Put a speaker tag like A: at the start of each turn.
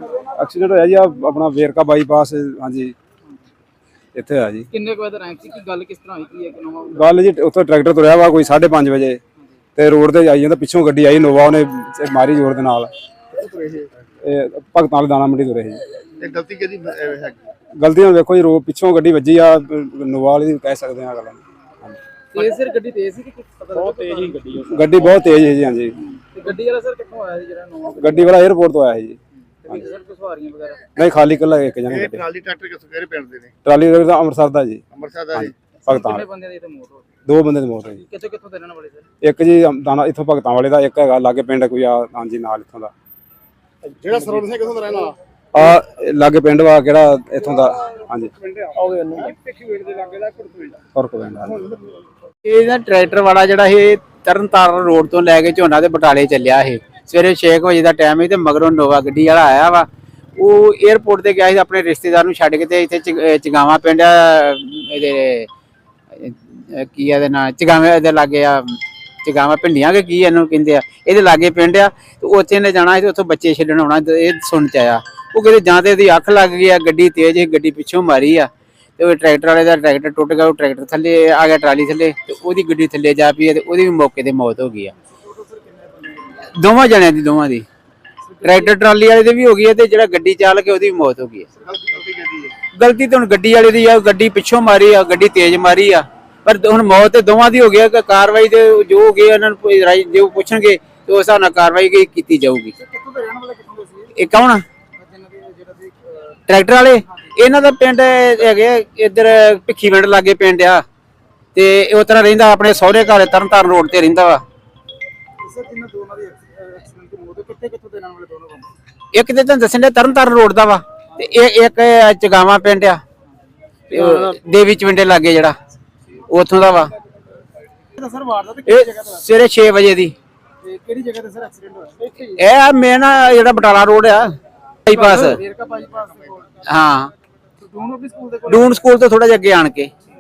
A: Accident होया जी अपना Verka bypass. हाँ जी इत्थे होया जी।
B: किन्ने वजे टाइम सी की गल किस तरह हुई की है कि नवा
A: गल जी उत्थे ट्रैक्टर तुरया वा कोई 5:30 बजे ते रोड ते आई जांदा पिछों गड्डी आई नोवा उन्हें मारी जोर दे नाल। भगतां वाले दाना मंडी तुरे जी।
C: गलती किहदी है?
A: गलती हुण देखो जी रो पिछों गड्डी वजी आ नोवा वाली दी कह सकदे आ गल।
B: तेज सिर गड्डी तेज सी कि पता बहुत तेज ही
A: गड्डी बहुत तेज है जी। हाँ जी
B: गड्डी वाला सर कित्थों आया जेड़ा नवा
A: गड्डी वाला एयरपोर्ट तो आया जी।
B: सर को सवारियां वगैरह
A: नहीं खाली कल्ला एक जन
C: ਇਹ ਟਰਾਲੀ ਟਰੈਕਟਰ ਕਿੱਥੋਂ ਕਿਹੜੇ ਪਿੰਡ ਦੇ ਨੇ?
A: ट्राली ਦਾ ਅੰਮ੍ਰਿਤਸਰ ਦਾ ਜੀ।
C: ਅੰਮ੍ਰਿਤਸਰ ਦਾ ਜੀ।
A: ਭਗਤਾਂ
B: किन्ने
A: ਵਾਲੇ
B: बंदे दी ते मौत हो गई
A: ਦੋ ਬੰਦੇ ਦੀ ਮੌਤ ਹੋਈ ਜੀ।
B: कित्थों कित्थों दे रहने वाले सर
A: ਇੱਕ ਜੀ ਦਾਣਾ ਇੱਥੋਂ ਭਗਤਾਂ ਵਾਲੇ ਦਾ, ਇੱਕ ਹੈਗਾ ਲਾਗੇ ਪਿੰਡ ਕੋਈ ਆ ਹਾਂਜੀ ਨਾਲ ਇੱਥੋਂ ਦਾ
C: ਜਿਹੜਾ ਸਰਵਣ ਸਿੰਘ ਕਿੱਥੋਂ ਦਾ ਰਹਿਣ ਵਾਲਾ?
A: ਆ ਲਾਗੇ ਪਿੰਡ ਵਾ ਕਿਹੜਾ ਇੱਥੋਂ ਦਾ। ਹਾਂਜੀ
B: ਆਓਗੇ ਉਹਨੂੰ ਪਿੱਛੇ ਵੇੜ ਦੇ ਲੱਗੇ ਦਾ
A: ਫਰਕ ਪੈਂਦਾ।
D: ਇਹ ਨਾ ਟਰੈਕਟਰ ਵਾਲਾ ਜਿਹੜਾ ਇਹ ਤਰਨਤਾਰਨ ਰੋਡ ਤੋਂ ਲੈ ਕੇ ਝੋਨਾ ਦੇ ਬਟਾਲੇ ਚੱਲਿਆ ਇਹ ਸਵੇਰੇ 6 ਵਜੇ ਦਾ ਟਾਈਮ ਹੈ ਤੇ ਮਗਰੋਂ ਨੋਵਾ ਗੱਡੀ ਵਾਲਾ ਆਇਆ ਵਾ। ਉਹ 에어ਪੋਰਟ ਤੇ ਗਿਆ ਸੀ ਆਪਣੇ ਰਿਸ਼ਤੇਦਾਰ ਨੂੰ ਛੱਡ ਕੇ ਤੇ ਇੱਥੇ ਚਗਾਵਾ ਪਿੰਡ ਇਹਦੇ ਕੀ ਇਹਦੇ ਨਾਂ ਚਗਾਵੇ ਦੇ ਲਾਗੇ ਆ ਚਗਾਵਾ ਪਿੰਡੀਆਂ ਕੇ ਕੀ ਇਹਨੂੰ ਕਹਿੰਦੇ ਆ ਇਹਦੇ ਲਾਗੇ ਪਿੰਡ ਆ ਤੇ ਉੱਥੇ ਨੇ ਜਾਣਾ ਸੀ। ਉੱਥੋਂ ਬੱਚੇ ਛੱਡਣ ਆਉਣਾ ਇਹ ਸੁਣ ਚ ਆਇਆ। ਉਹ ਕਿਤੇ ਜਾਂ ਤੇ ਇਹਦੀ ਅੱਖ ਲੱਗ ਗਈ ਆ, ਗੱਡੀ ਤੇਜ਼ ਸੀ, ਗੱਡੀ ਪਿੱਛੋਂ ਮਾਰੀ ਆ ਤੇ ਉਹ ਟਰੈਕਟਰ ਵਾਲੇ ਦਾ ਟਰੈਕਟਰ ਟੁੱਟ ਗਿਆ। ਉਹ ਟਰੈਕਟਰ ਥੱਲੇ ਆ ਗਿਆ ਟਰਾਲੀ ਥੱਲੇ ਤੇ ਉਹਦੀ ਗੱਡੀ ਥੱਲੇ ਜਾ ਪਈ ਤੇ ਉਹਦੀ ਵੀ ਮੌਕੇ ਤੇ ਮੌਤ ਹੋ ਗਈ ਆ। ਦੋਵਾਂ ਜਣਿਆਂ ਦੀ ਦੋਵਾਂ ਦੀ ਟਰੈਕਟਰ ਟਰਾਲੀ ਵਾਲੇ ਦੀ ਵੀ ਹੋ ਗਈ ਹੈ ਤੇ ਜਿਹੜਾ ਗੱਡੀ ਚਾਲਕ ਉਹਦੀ ਵੀ ਮੌਤ ਹੋ ਗਈ ਹੈ। ਗਲਤੀ ਤਾਂ ਹੁਣ ਗੱਡੀ ਵਾਲੇ ਦੀ ਆ, ਗੱਡੀ ਪਿੱਛੋਂ ਮਾਰੀ ਆ, ਗੱਡੀ ਤੇਜ਼ ਮਾਰੀ ਆ, ਪਰ ਹੁਣ ਮੌਤ ਤੇ ਦੋਵਾਂ ਦੀ ਹੋ ਗਈ ਹੈ। ਕਾਰਵਾਈ ਦੇ ਜੋ ਹੋ ਗਈ ਉਹਨਾਂ ਨੂੰ ਜੋ ਪੁੱਛਣਗੇ ਤੇ ਉਸ ਹਿਸਾਬ ਨਾਲ ਕਾਰਵਾਈ ਕੀਤੀ ਜਾਊਗੀ। ਇਹ ਕੌਣ ਆ ਟਰੈਕਟਰ ਵਾਲੇ? ਇਹਨਾਂ ਦਾ ਪਿੰਡ ਹੈਗੇ ਇੱਧਰ ਭਿੱਖੀਵਿੰਡ ਲਾਗੇ ਪਿੰਡ ਆ ਤੇ ਉਹ ਤਰ੍ਹਾਂ ਰਹਿੰਦਾ ਆਪਣੇ ਸਹੁਰੇ ਘਰ ਤਰਨਤਾਰਨ ਰੋਡ ਤੇ ਰਹਿੰਦਾ ਵਾ। ਇੱਕ ਤੇ ਤੁਹਾਨੂੰ ਦੱਸਣ ਦੇ ਤਰਨਤਾਰਨ ਰੋਡ ਦਾ ਵਾ ਤੇ ਇਹ ਇੱਕ ਚਗਾਵਾ ਪਿੰਡ ਆ ਦੇਵੀ ਚਵਿੰਡੇ ਲਾਗੇ ਜਿਹੜਾ ਉੱਥੋਂ ਦਾ ਵਾ। ਇਹ ਸਵੇਰੇ 6 ਵਜੇ ਦੀ।
B: ਕਿਹੜੀ ਜਗ੍ਹਾ ਤੇ ਸਰ ਐਕਸੀਡੈਂਟ ਹੋਇਆ?
D: ਇਹ ਮੇਨ ਜਿਹੜਾ ਬਟਾਲਾ ਰੋਡ ਆ ਬਾਈਪਾਸ।
B: ਵੇਰਕਾ ਬਾਈਪਾਸ ਦੇ ਕੋਲ
D: ਹਾਂ
B: ਡੂਨ ਸਕੂਲ ਦੇ ਕੋਲ
D: ਡੂਨ ਸਕੂਲ ਤੋਂ ਥੋੜਾ ਜਿਹਾ ਅੱਗੇ ਆਣ ਕੇ